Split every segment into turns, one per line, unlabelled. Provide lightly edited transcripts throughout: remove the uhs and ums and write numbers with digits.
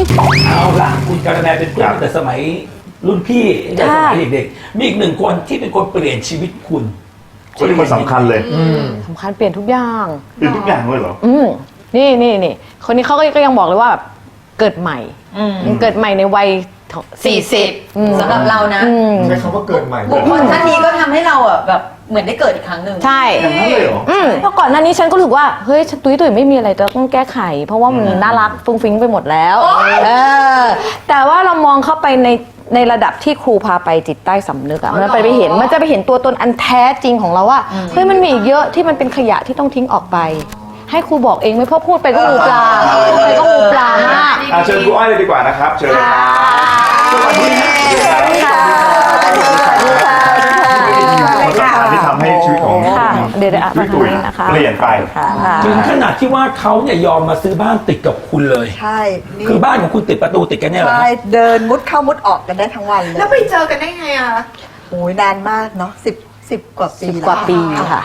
เอาละคุณการแมเป็นเพื่อนตั้งแต่สมัยรุ่นพี่ตั้งแต่สมัยเด็กๆมีอีกหนึ่งคนที่เป็นคนเปลี่ยนชีวิตคุณ
คนที่มันสำคัญเลย
สำคัญเปลี่ยนทุกอย่าง
เปลี่ยนทุกอย่างเลยเหรอ
นี่คนนี้เขาก็ยังบอกเลยว่าแบบเกิดใหม่เกิดใหม่ในวัย
40สำหรับเรานะ
ใช้คำว่าเกิดใหม่
บุคคลท่านนี้ก็ทำให้เราอ่ะแบบเหมือนได้เกิดอีกครั้งหนึ่ง
ใช่
อย่างนั้นเลยเหรอ
เพราะก่อนหน้านี้ฉันก็รู้สึกว่าเฮ้ยฉันตุ้ยไม่มีอะไรต้องแก้ไขเพราะว่ามันน่ารักฟุ้งฟิ้งไปหมดแล้วแต่ว่าเรามองเข้าไปในระดับที่ครูพาไปจิตใต้สำนึกอะมันจะไปเห็นตัวตนอันแท้จริงของเราว่าเฮ้ยมันมีอีกเยอะที่มันเป็นขยะที่ต้องทิ้งออกไปให้ครูบอกเองไม่เพราะพูดไปก็งูปลาไปก็งูปลามาก
เชิญครูอ้อยเลยดีกว่านะครับเชิญเลยครับสวัสดีค่ะคนสำคัญที่ทำให้ชีวิตของพี่ตุ๋ยเปลี่ยนไป
ถึงขนาดที่ว่าเขาเนี่ยยอมมาซื้อบ้านติดกับคุณเลย
ใช่
คือบ้านของคุณติดประตูติดกันเนี่ยเหรอ
ใช่เดินมุดเข้ามุดออกกันได้ทั้งวันเลย
แล้วไปเจอกันได้ไงอ่ะ
โอ้ยนานมากเนาะ10 กว่าปี
ค่ะ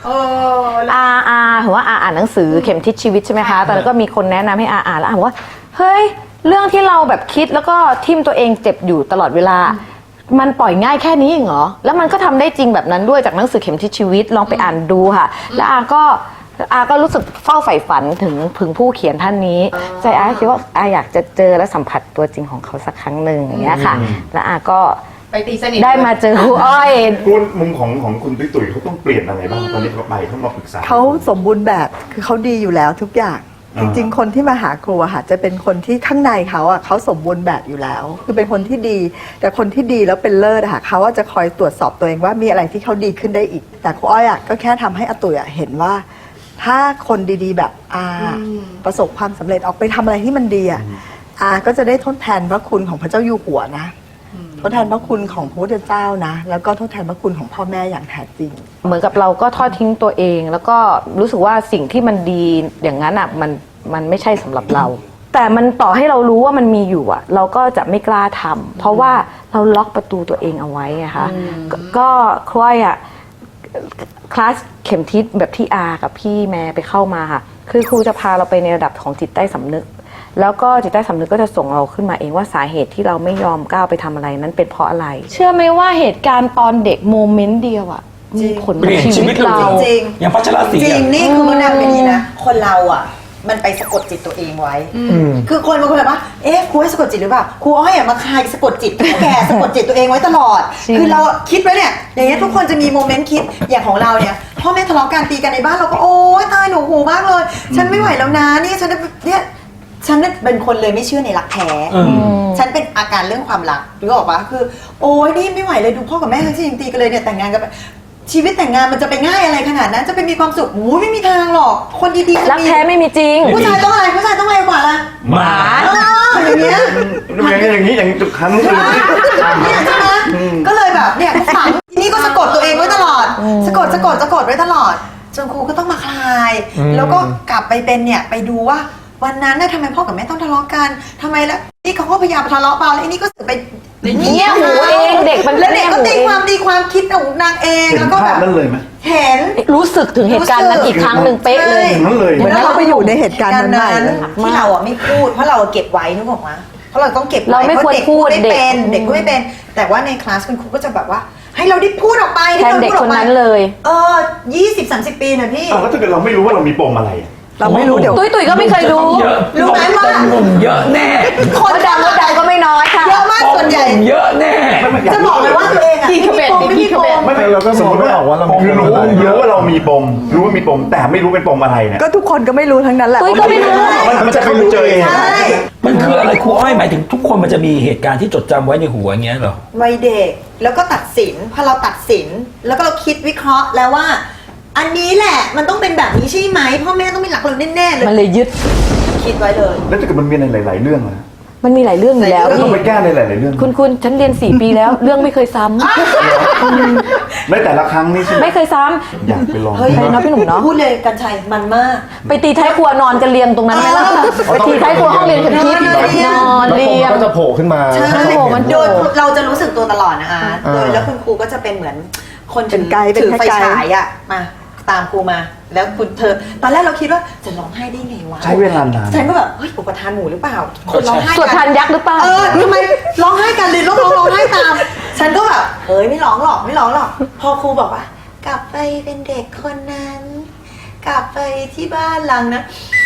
ถือว่าอ่านหนังสือเข็มทิศชีวิตใช่ไหมคะตอนนั้นก็มีคนแนะนำให้อ่านแล้วบอกว่าเฮ้ยเรื่องที่เราแบบคิดแล้วก็ทิ่มตัวเองเจ็บอยู่ตลอดเวลามันปล่อยง่ายแค่นี้เหรอแล้วมันก็ทำได้จริงแบบนั้นด้วยจากหนังสือเข็มทิศชีวิตลองไปอ่านดูค่ะแล้วก็รู้สึกเฝ้าใฝ่ฝันถึงผู้เขียนท่านนี้ใจคิดว่าอยากจะเจอและสัมผัสตัวจริงของเขาสักครั้งหนึ่งอย่างเงี้ยค่ะแล้วก็
ไปตีสนิท
ได้มาเจอครูอ้อย
คุณมุมของคุณตุ๋ยเขาต้องเปลี่ยนอะไรบ้างตอนนี้เขาไปเขามาปรึกษา
เขาสมบูรณ์แบบคือเขาดีอยู่แล้วทุกอย่างจริงๆคนที่มาหาครูอะค่ะจะเป็นคนที่ข้างในเขาอะเขาสมบูรณ์แบบอยู่แล้วคือเป็นคนที่ดีแต่คนที่ดีแล้วเป็นเลิศอะค่ะเขาจะคอยตรวจสอบตัวเองว่ามีอะไรที่เขาดีขึ้นได้อีกแต่ครูอ้อยอะก็แค่ทำให้อาตุ๋ยอะเห็นว่าถ้าคนดีๆแบบประสบความสำเร็จออกไปทำอะไรที่มันดีอะก็จะได้ทดแทนพระคุณของพระเจ้าอยู่หัวนะทดแทนพระคุณของพระพุทธเจ้านะแล้วก็ทดแทนพระคุณของพ่อแม่อย่างแท้จริง
เหมือนกับเราก็ทอดทิ้งตัวเองแล้วก็รู้สึกว่าสิ่งที่มันดีอย่างนั้นอ่ะมันไม่ใช่สำหรับเราแต่มันต่อให้เรารู้ว่ามันมีอยู่อ่ะเราก็จะไม่กล้าทำเพราะว่าเราล็อกประตูตัวเองเอาไว้นะคะก็คล้อยอ่ะคลาสเข็มทิศแบบที่กับพี่แม่ไปเข้ามาค่ะคือครูจะพาเราไปในระดับของจิตใต้สำนึกแล้วก็จิตใต้สำนึกก็จะส่งเราขึ้นมาเองว่าสาเหตุที่เราไม่ยอมก้าวไปทำอะไรนั้นเป็นเพราะอะไรเชื่อไหมว่าเหตุการณ์ตอนเด็กโมเมนต์เดียวอะมีผลกับชีวิตเรา
จริง
อย่างพัชรศรี
จริงนี่คือมันนำเป็นนี้นะคนเราอะมันไปสะกดจิตตัวเองไว้คือคนบางคนแบบว่าครูให้สะกดจิตหรือเปล่าครูอ้อยมาคายสะกดจิตแกสะกดจิตตัวเองไว้ตลอดคือเราคิดไว้เนี่ยอย่างเงี้ยทุกคนจะมีโมเมนต์คิดอย่างของเราเนี่ยพ่อแม่ทะเลาะกันตีกันในบ้านเราก็โอ๊ยตายหนูหูมากเลยฉันไม่ไหวแล้วนะนี่ฉันเป็นคนเลยไม่เชื่อในรักแท้ฉันเป็นอาการเรื่องความรักหรือบอกว่าคือโอ๊ยนี่ไม่ไหวเลยดูพ่อกับแม่ทั้งที่ยังตีกันเลยเนี่ยแต่งงานกันชีวิตแต่งงานมันจะไปง่ายอะไรขนาดนั้นจะไปมีความสุขไม่มีทางหรอกคนดีๆ
รักแท้ไม่มีจริง
ผู้ชายต้องอะไรผู้ชายต้องอะไรกว่าล่ะ
หมา
อย่างเงี้ย
อย่างจุดคันเลย
เนี่ยใช่ไหมก็เลยแบบเนี่ยฝังนี่ก็สะกดตัวเองไว้ตลอดสะกดไว้ตลอดจนครูก็ต้องมาคลายแล้วก็กลับไปเป็นเนี่ยไปดูว่าวันนั้นน่ะทำไมพ่อกับแม่ต้องทะเลาะกันทำไมแล้วนี่เขาก็พยายามทะเลาะเปล่าแล้วไอ้นี่ก็สึกไป
เงี้ยหูเองเด็กมัน
แล้วเด็กก็ตีความดีความคิดของนางเองแล้วก็แบบ
นั่นเลยไหม
เห็น
รู้สึกถึงเหตุการณ์นั้นอีกครั้งหนึ่งเป๊ะเลย
นั่นเลย
เหมือนเราไปอยู่ในเหตุการณ์นั้น
ที่เราไม่พูดเพราะเราเก็บไว้นึกออกไหมเพราะเราต้องเก็บไว้
เราไม่ควรพูด
เด็กก็ไม่เป็นแต่ว่าในคลาสคุณครูก็จะแบบว่าให้เราได้พูดออกไป
แทนเด็กคนนั้นเลย
20-30 ปีนะพี่
แล้วถ้าเกิดเราไม่รู้ว่าเรามีปมอะไร
เราไม่รู้เดี๋ยว
ตุ้ยก็ไม่เคยรู้
ไหมว่า
หนุ่มเยอะแน่
คนดังก็ไม่น้อยค่ะ
เยอะมากส่วนใหญ่
เยอะแน่
จะบอกเลยว่าตัวเองอะ
ไม่มีปม
ไม่เราก็สมมติว่าว่าเรารู้เยอะว่าเรามีปมรู้ว่ามีปมแต่ไม่รู้เป็นปมอะไรเนี่ย
ก็ทุกคนก็ไม่รู้ทั้งนั้นแหละ
ตุ้ยก็ไม่รู้
มันจะเข้าไปเจอเอง
มันคืออะไรครูอ้อยหมายถึงทุกคนมันจะมีเหตุการณ์ที่จดจำไว้ในหัวอย่างเงี้ยเหรอ
วัยเด็กแล้วก็ตัดสินพอเราตัดสินแล้วก็เราคิดวิเคราะห์แล้วว่าอันนี้แหละมันต้องเป็นแบบนี้ใช่ไหมพ่อแม่ต้องไม่รักเราแน่ๆเลย
มันเลยยึด
คิดไว้เลย
แล้วถ้าเกิดมันมีในหลายๆเรื่องนะ
มันมีหลายเรื่องอยู่แล้ว
ต้องไปแก้ในหลายๆเรื่อง
คุณฉันเรียน4 ปีแล้วเรื่องไม่เคยซ้ำ
ในแต่ละครั้งนี่
ไม่เคยซ้ำ
อยากไปลอง
เฮ้ยน้องพี่หนุ่มเนาะ
พูดเลยกันชัยมันมาก
ไปตีท้ายครัวนอนกันเรียงตรงนั้นไหมล่ะไปตีท้ายครัวห้องเรียนกันทิพย์นอนเรียง
ก็จะโผล่ขึ้นมา
ใช่โดยเราจะรู้สึกตัวตลอดนะคะโดยแล้วคุณครูก็จะเป็นเหมือนคนถือไฟฉายอ่ะมาตามครูมา แล้วเธอตอนแรกเราคิดว่าจะร้องไห้ได้ไงวะ
ใช้เวลานาน
ฉันก็แบบเฮ้ยอุปทานหมู่หรือเปล่าคนร้องไห้
สวดทานยักษ์หรือเปล่า
ทำไมร้องไห้กันเลยร้องไห้ตาม ฉันก็แบบเฮ้ยไม่ร้องหรอกพอครูบอกว่ากลับไปเป็นเด็กคนนั้น กลับไปที่บ้านหลังนะ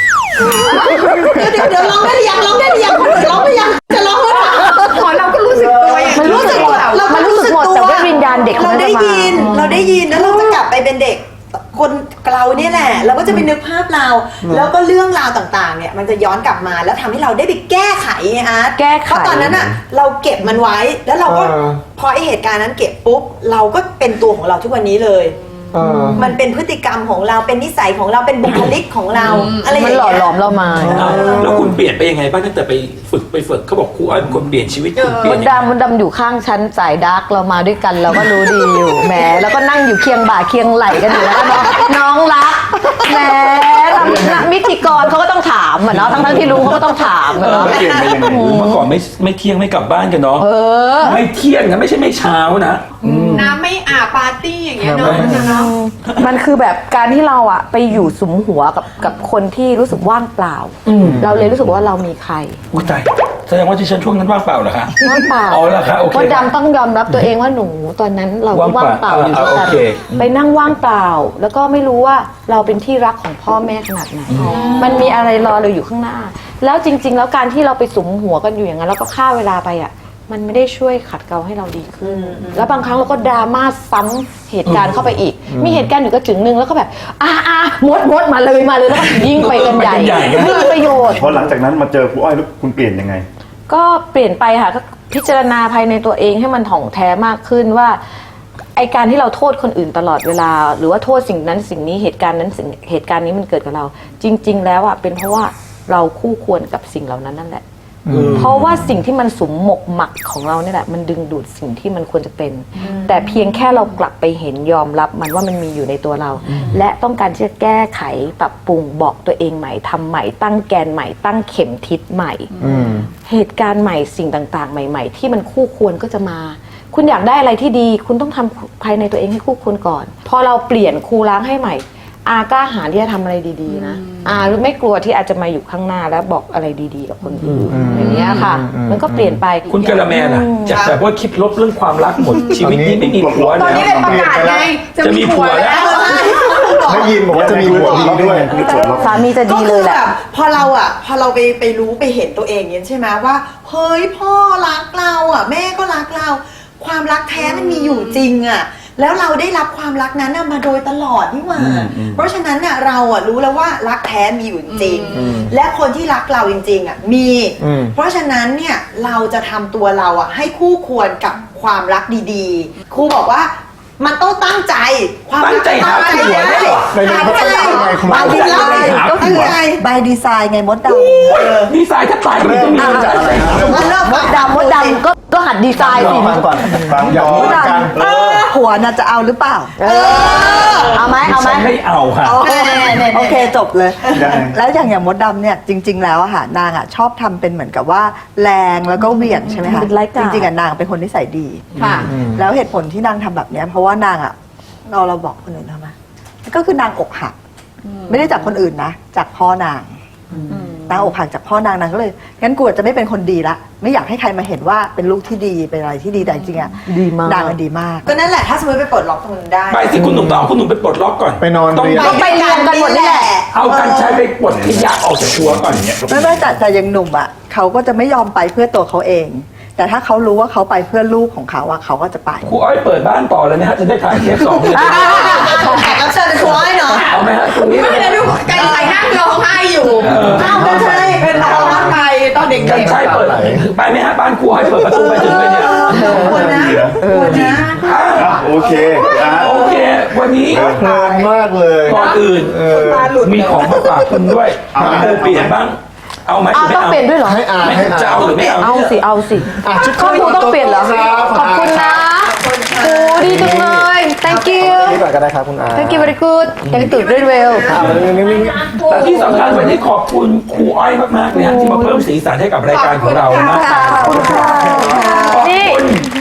เดี๋ยวร้องได้หรือยังคนอื่นร้องได้ยังจะร้องหรือเปล่า
ขอเราก็รู้สึกตัวอย่าง
มันรู้สึกหมด
เรา
มันรู้สึกหมดแต่ว่าวิญญาณเด็ก
เราได้
มันจะมา
ยินแล้วเราจะกลับไปเป็นเด็กคนเราเนี่ยแหละเราก็จะไปนึกภาพเรา แล้วก็เรื่องราวต่างๆเนี่ยมันจะย้อนกลับมาแล้วทำให้เราได้ไปแก้ไขไงอาร์ต
แก้ไข
เพราะตอนนั้นอ่ะเราเก็บมันไว้แล้วเราก็พอไอเหตุการณ์นั้นเก็บปุ๊บเราก็เป็นตัวของเราทุกวันนี้เลย มันเป็นพฤติกรรมของเราเป็นนิสัยของเราเป็นบุคลิกของเราอะไรอย่าง
มัน
เงี้ย
หล่อหลอมเรามา
แล้วคุณเปลี่ยนไปยังไงบ้างตั้งแต่ไปฝึกเขาบอกครูอ้อยเป็นคนเปลี่ยนชีวิตคุณเปลี่ยนยังไง
มดดำอยู่ข้างฉันสายดาร์กเรามาด้วยกันเราก็รู้ดีอยู่แหมแล้วก็นั่งอยู่เคียงบ่าเคียงไหลกันอยู่แล้วน้องรักแหมพิธีกรเขาก็ต้องถามอ่ะเนาะทั้งที่รู้เขาก็ต้องถามอ่ะเนาะ
เปลี่ยนไปยังไง
เมื่อก่อนไม่เที่ยงไม่กลับบ้านกันเนาะไม่เที่ยงนะไม่ใช่ไม่เช้านะ
น้ำไม่อาบปาร์ตี้อย่างเงี้ยเนาะเนาะ
มันคือแบบการที่เราอะไปอยู่สุมหัวกับคนที่รู้สึกว่างเปล่า เราเลยรู้สึกว่าเรามีใคร
อุ้ยตายแสดงว่าที่ฉันช่วงนั้นว่างเปล่าเหรอคะ
ว่างเปล่า
อ๋อเหรอคะโอเค
มดดำต้องยอมรับตัวเองว่าหนูตอนนั้นเราก็ว่างเปล่าอยู่ด้วยกัน
โอเค
ไปนั่งว่างเปล่า แล้วก็ไม่รู้ว่าเราเป็นที่รักของพ่อแม่ขนาดไหนมันมีอะไรรอเราอยู่ข้างหน้า แล้วจริง ๆ แล้วการที่เราไปสุมหัวกันอยู่อย่างนั้นแล้วก็ฆ่าเวลาไปอะมันไม่ได้ช่วยขัดเกลาให้เราดีขึ้น แล้วบางครั้งเราก็ดราม่าซ้ำเหตุการณ์เข้าไปอีก มีเหตุการณ์อยู่ก็ถึงนึงแล้วก็แบบมดมาเลยแล้วก็ยิ่งไปกันใหญ่ไม่มีประโยชน์
พอหลังจากนั้นมาเจอครูอ้อยแล้วคุณเปลี่ยนยังไง
ก็เปลี่ยนไปค่ะก็พิจารณาภายในตัวเองให้มันถ่องแท้มากขึ้นว่าไอการที่เราโทษคนอื่นตลอดเวลา หรือว่าโทษสิ่งนั้นสิ่งนี้เหตุการณ์นั้นเหตุการณ์นี้มันเกิดกับเรา จริง ๆ แล้วอ่ะเป็นเพราะว่าเราคู่ควรกับสิ่งเหล่านั้นนั่นแหละเพราะว่าสิ่งที่มันสุมหมกหมักของเราเนี่ยแหละมันดึงดูดสิ่งที่มันควรจะเป็น แต่เพียงแค่เรากลับไปเห็นยอมรับมันว่ามันมีอยู่ในตัวเรา และต้องการที่จะแก้ไขปรับปรุงบอกตัวเองใหม่ทำใหม่ตั้งแกนใหม่ตั้งเข็มทิศใหม่ เหตุการณ์ใหม่สิ่งต่างๆ ใหม่ ๆ ที่มันคู่ควรก็จะมา คุณอยากได้อะไรที่ดี คุณต้องทำภายในตัวเองให้คู่ควรก่อน พอเราเปลี่ยนครูล้างให้ใหม่ กล้าหาญที่จะทำอะไรดีๆนะหรือไม่กลัวที่อาจจะมาอยู่ข้างหน้าแล้วบอกอะไรดีๆกับคนอื่นอย่างเงี้ยค่ะ มันก็เปลี่ยนไป
คุณกะละแมล่ะจากแบบว่าคิดลบเรื่องความรักหมดชีวิตนี้ไม่มีผัว
ตอน
แล้ว
นี้เป็นประกาศไงจะมีผัวแล้ว
ได้ยินบอกว่าจะมีหัวดีด้วย
สามีจะดีเลยแหละ
ก็คือบบพอเราไปรู้ไปเห็นตัวเองเนี่ยใช่ไหมว่าเฮ้ยพ่อรักเราอ่ะแม่ก็รักเรา ความรักแท้มันมีอยู่จริงอ่ะแล้วเราได้รับความรักนั้นน่ะมาโดยตลอดนี่หว่าเพราะฉะนั้นน่ะเราอ่ะรู้แล้วว่ารักแท้มีอยู่จริงและคนที่รักเราจริงๆอ่ะมี เพราะฉะนั้นเนี่ยเราจะทำตัวเราอ่ะให้คู่ควรกับความรักดีๆครูบอกว่ามันต้องตั้งใจความรัก
ตั้งใจหาผัวได้เหรอ
หาใจ
บายดีไซน์
ก็คือไง
บายดีไซน์ไงมดด
ดีไซน์ถ้าตายมันต้องมี
เริ่มจากอะไรครับ
มดดำก็หัดดีไซน์สิ
ฟังก่อนฟังอยากรู้เหมือนกัน
ำผัวน่ะจะเอาหรือเปล่า
เอาไหม
ฉันไม่เอาค่ะ
โอเคจบเลย
ยังไง
แล้วอย่างมดดำเนี่ยจริง ๆ แล้วอะค่ะนางอะชอบทำเป็นเหมือนกับว่าแรงแล้วก็เหวี่ยงใช่ไหมคะ
เป็นไร้กา
จ
ร
ริงๆอะนางเป็นคนนิสัยดี
ค่ะ
แล้วเหตุผลที่นางทำแบบเนี้ยเพราะว่านางอะเราบอกคนอื่นทำไมก็คือนางอกหักไม่ได้จากคนอื่นนะจากพ่อนางนางอกหักจากพ่อนางก็เลยงั้นกูจะไม่เป็นคนดีละไม่อยากให้ใครมาเห็นว่าเป็นลูกที่ดีเป็นอะไรที่ดีแต่จริงๆอะ
ดีมาก
นางอะดีมาก
ก็นั่นแหละถ้าสมมติไปปลดล็อกตรงนั้นได้
ไปสิคุณหนุ่มต้องเอาคุณหนุ่มไปปลดล็อกก่อน
ไปนอน
ต้อง
เรียน
ไปเรียนกันหมดนี่แหละ
เอากันใช้ไปปลดขยะออกจากชัวก่อนอย่างเงี้ย
ไม่แต่ยังหนุ่มอ่ะเขาก็จะไม่ยอมไปเพื่อตัวเขาเอง แต่ถ้าเขารู้ว่าเขาไปเพื่อลูกของเขาอ่ะเขาก็จะไป
ครูอ้อยเปิดบ้านต่อเลยนะฮะจะได้ถ่ายเทป2เลย
แขกรับเชิญเป็นครูอ้อยเนาะ
เอาไหมฮะตรงนี้เลย
ไม่ได้ดูกันใครนั่งร้องไห้อยู่
อ้าวกันใช่
เป็นร้องไห้ตอนเด็ก
กันใช้เปิดไปไหมฮะบ้านครูอ้อยเปิดประตูไปถึงเลยเนี่ย
ควรนะควรนะ
โอเคอ่ะ
โอเค วันนี้
เพลินมากเลย
ก่อนอื่นมีของมาฝากคุณด้วยครูเปลี่ยนบ้างเอาไหม
ต้องเปลี่ยนด้วยเหรอ
ให้อ่าน
ไม่
ให้อ่าน
จะเอาหรือไม่เอา
เอาสิเอาสิ
ชุด
ครอบครัวต้องเปลี่ยนเหรอขอบคุณนะโอ้ดีจังเลย thank you
นี่ก่อนก็ได้ครับคุณอา
thank you very good thank you very well
แต่ที่สำคัญวันนี้ขอบคุณครูอ้อยมากๆเนี่ยที่มาเพิ่มสีสันให้กับรายการของเรานะ
ขอบคุณค่ะ
ขอบ
นี่
คุณ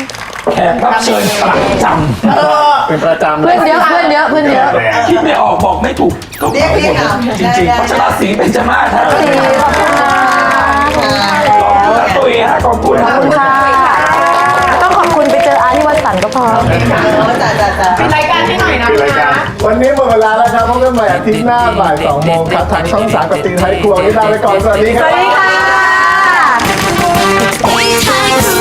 แขกรับเชิญประจ
เป็นประจำ
เพื่อนเยอะเพื่อนเยอะเพื่อนเยอะ
ำคิดไม่ออกบอกไม่ถูกก็
เรียก
หมด
เอา
จริงๆเพราะฉะนั้นสีเป็นจมาศฮะ
ขอบคุณนะ
ขอบคุณนะตุ้ยฮะขอบคุณ
ขอบคุณค่ะ ต้องขอบคุณไปเจออาร์ที่วัดสันก็พอ
จ้า
ปิดรายการให้หน่อยนะ
ปิดรายการ
วันนี้หมดเวลาแล้วครับพบกันใหม่อาทิตย์หน้าบ่าย2 โมงครับทางช่อง 3 กับตีไทยครัววันนี้ลาไปก่อน สวัสดีครับ
สวัสดีค่ะ
ตีท้ายครัว